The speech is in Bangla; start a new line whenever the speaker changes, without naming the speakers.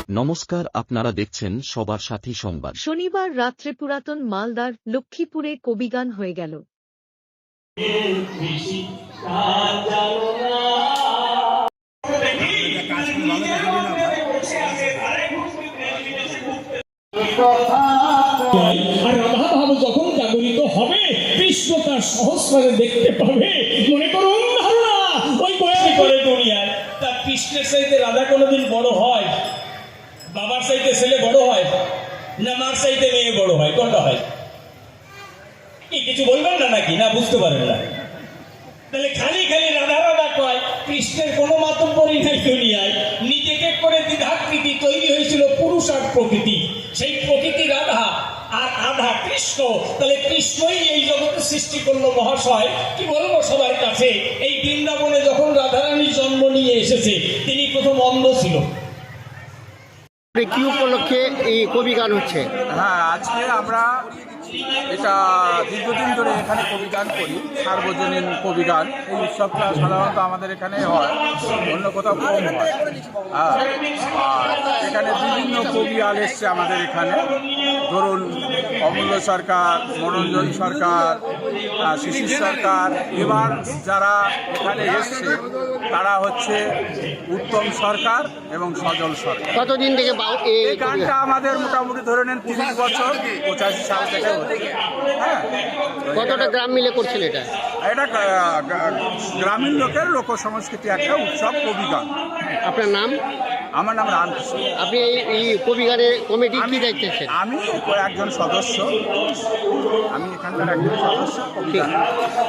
নমস্কার, আপনারা দেখছেন সবার সাথী সংবাদ।
শনিবার রাত্রে পুরাতন মালদার লক্ষ্মীপুরে কবিগান হয়ে গেল।
আর রাধা ভাব যখন জাগরিত হবে, কৃষ্ণ তার সহস্রে দেখতে পাবে। মনে করুন ধারণা ওই বয়ানি করে দুনিয়ায় তার কৃষ্ণের চাইতে রাধা কোনোদিন বড় হয়? বাবার চাইতে ছেলে বড় হয় না মার চাইতে মেয়ে বড় হয়? কোনটা হয়? কি কিছু বলবেন না নাকি? না বুঝতে পারেন না? তাহলে খালি খালি রাধা রাধা কয়, কৃষ্ণের কোনো মাতব্বরই নাই দুনিয়ায়। নিজেকে করে দ্বিধাকৃতি তৈরি হয়েছিল পুরুষ আর প্রকৃতি, সেই প্রকৃতি রাধা আর আধা কৃষ্ণ। তাহলে কৃষ্ণই এই জগতে সৃষ্টি করলো মহাশয়। কি বলবো সবার কাছে, এই বৃন্দাবনে যখন রাধারানী জন্ম নিয়ে এসেছে, তিনি প্রথম অন্ধ ছিল।
কি উপলক্ষে এই কবি গান হচ্ছে?
হ্যাঁ, আজকে আমরা এটা দীর্ঘদিন ধরে এখানে কবিগান করি, সার্বজনীন কবিগান। এই উৎসবটা সাধারণত আমাদের এখানে হয়, অন্য কোথাও কম হয়। আর এখানে বিভিন্ন কবিয়াল এসছে আমাদের এখানে। ধরুন অমূল্য সরকার, মনোরঞ্জন সরকার, শিশির সরকার। এবার যারা এখানে এসছে তারা হচ্ছে উত্তম সরকার এবং সজল সরকার।
কতদিন থেকে
এই গানটা আমাদের মোটামুটি ধরে নেন 30 বছর, 85 সাল থেকে। হ্যাঁ,
কতটা গ্রাম মিলে করছেন এটা?
এটা গ্রামীণ লোকের লোক সংস্কৃতি একটা উৎসব কবিগান।
আপনার নাম?
আমার নাম রামকৃষ্ণ।
আপনি এই কবি গানের কমিটির কি দায়িত্বে?
আমি একজন সদস্য, আমি এখানকার একজন সদস্য কবিগান।